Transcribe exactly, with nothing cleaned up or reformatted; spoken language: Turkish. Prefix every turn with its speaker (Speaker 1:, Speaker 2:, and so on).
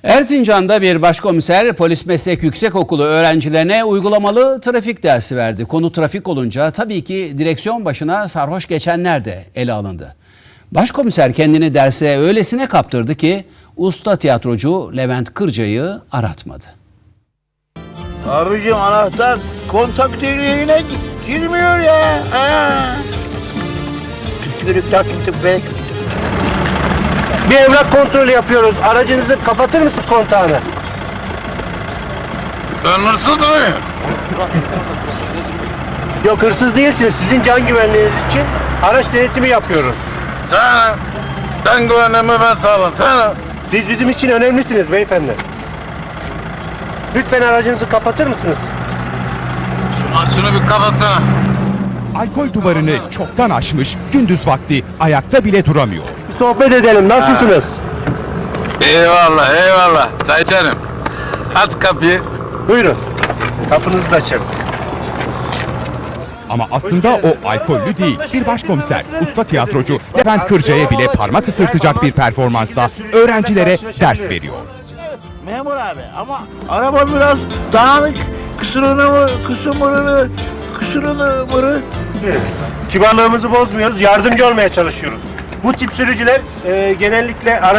Speaker 1: Erzincan'da bir başkomiser Polis Meslek Yüksekokulu öğrencilerine uygulamalı trafik dersi verdi. Konu trafik olunca tabii ki direksiyon başına sarhoş geçenler de ele alındı. Başkomiser kendini derse öylesine kaptırdı ki usta tiyatrocu Levent Kırca'yı aratmadı.
Speaker 2: Abicim anahtar kontak deliğine girmiyor ya. Aa. Tükürük takip be.
Speaker 3: Bir evrak kontrolü yapıyoruz. Aracınızı kapatır mısınız kontağını?
Speaker 4: Ben hırsız mıyım?
Speaker 3: Yok, hırsız değilsiniz. Sizin can güvenliğiniz için araç denetimi yapıyoruz.
Speaker 4: Sen, sen güvenliğimi ben sağlam. Sen,
Speaker 3: Siz bizim için önemlisiniz beyefendi. Lütfen aracınızı kapatır mısınız?
Speaker 4: şunu bir kapatsana.
Speaker 5: Alkol duvarını çoktan aşmış, gündüz vakti ayakta bile duramıyor.
Speaker 3: Bir sohbet edelim. Nasılsınız?
Speaker 4: Eyvallah, eyvallah. Çay içerim. Aç kapıyı.
Speaker 3: Buyurun. Kapınızı da açarız.
Speaker 5: Ama aslında o alkollü değil, bir başkomiser, usta tiyatrocu Levent Kırca'ya bile parmak ısırtacak bir performansla öğrencilere ders veriyor.
Speaker 2: Memur abi ama araba biraz dağınık. Kusurunu mu, kusurunu, kusurunu mırı.
Speaker 3: Kibarlığımızı bozmuyoruz. Yardımcı olmaya çalışıyoruz. Bu tip sürücüler e, genellikle